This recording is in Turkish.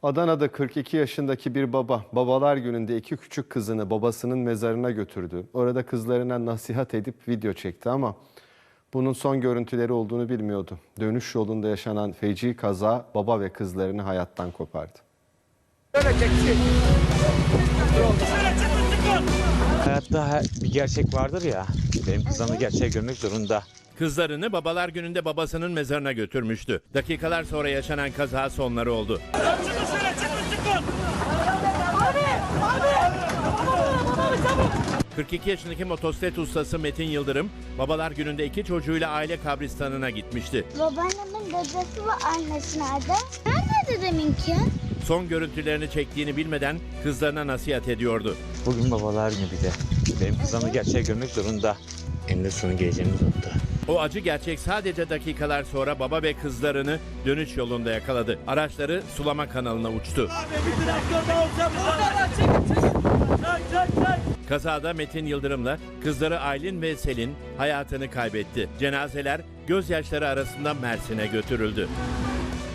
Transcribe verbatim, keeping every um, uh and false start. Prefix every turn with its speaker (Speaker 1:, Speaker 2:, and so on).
Speaker 1: Adana'da kırk iki yaşındaki bir baba, babalar gününde iki küçük kızını babasının mezarına götürdü. Orada kızlarına nasihat edip video çekti ama bunun son görüntüleri olduğunu bilmiyordu. Dönüş yolunda yaşanan feci kaza baba ve kızlarını hayattan kopardı.
Speaker 2: Hayatta bir gerçek vardır ya, benim kızım da gerçeği görmek zorunda.
Speaker 3: Kızlarını babalar gününde babasının mezarına götürmüştü. Dakikalar sonra yaşanan kaza sonları oldu. kırk iki yaşındaki motosiklet ustası Metin Yıldırım, babalar gününde iki çocuğuyla aile kabristanına gitmişti.
Speaker 4: Babaannemin dedesi ve annesi nerede? Nerede dedeminki?
Speaker 3: Son görüntülerini çektiğini bilmeden kızlarına nasihat ediyordu.
Speaker 2: Bugün babalar günü bir de. Benim kızım da gerçeği görmek zorunda. Eninde sonu geleceğimiz nokta.
Speaker 3: O acı gerçek sadece dakikalar sonra baba ve kızlarını dönüş yolunda yakaladı. Araçları sulama kanalına uçtu. Kazada Metin Yıldırım'la kızları Aylin ve Selin hayatını kaybetti. Cenazeler gözyaşları arasında Mersin'e götürüldü.